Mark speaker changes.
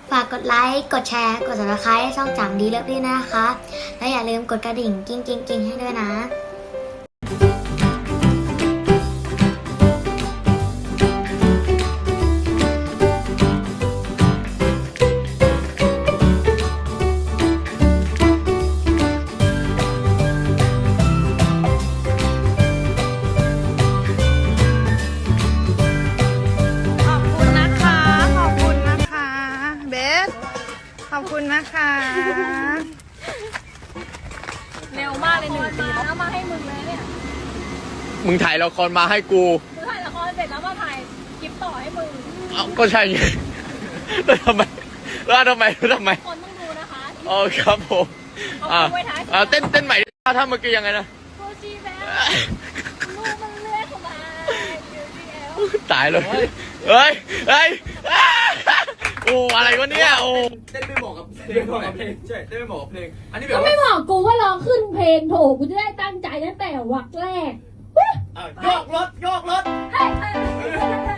Speaker 1: ฝากกดไลค์กดแชร์กด subscribe ให้ช่องจังดีเลิฟด้วยนะคะและอย่าลืมกดกระดิ่งกิ้งให้ด้วยนะ
Speaker 2: ขอบคุณนะคะเร็วมากเลย1 ปีแล้วมาให้มึงเลยเนี่ย
Speaker 3: มึงถ่ายละครมาให้กู
Speaker 2: มึงถ่ายละครเสร็จแล้วมาถ่ายคลิปต่อให้มึง
Speaker 3: ก็ใช่ไงแล้วทำไมคนต้อง
Speaker 2: ดูนะคะ
Speaker 3: อ๋อครับผมเต้นใหม่ถ้าเมื่อกี้ยังไงนะ
Speaker 2: โคชีแบลูกมันเลื้อยเข้ามา
Speaker 3: ตายเลยเฮ้ยโอ้อะไรวะเนี่ยโอ้
Speaker 4: เต้นไม่เหมาะกับเพลงใช่เต้นไม่เหมาะกับเพลงอันนี้แบบ
Speaker 5: ก็ไม่บอกกูว่าร้องขึ้นเพลงโถกูจะได้ตั้งใจตั้งแต่วรรคแรก
Speaker 4: โยกรถ
Speaker 5: เฮ้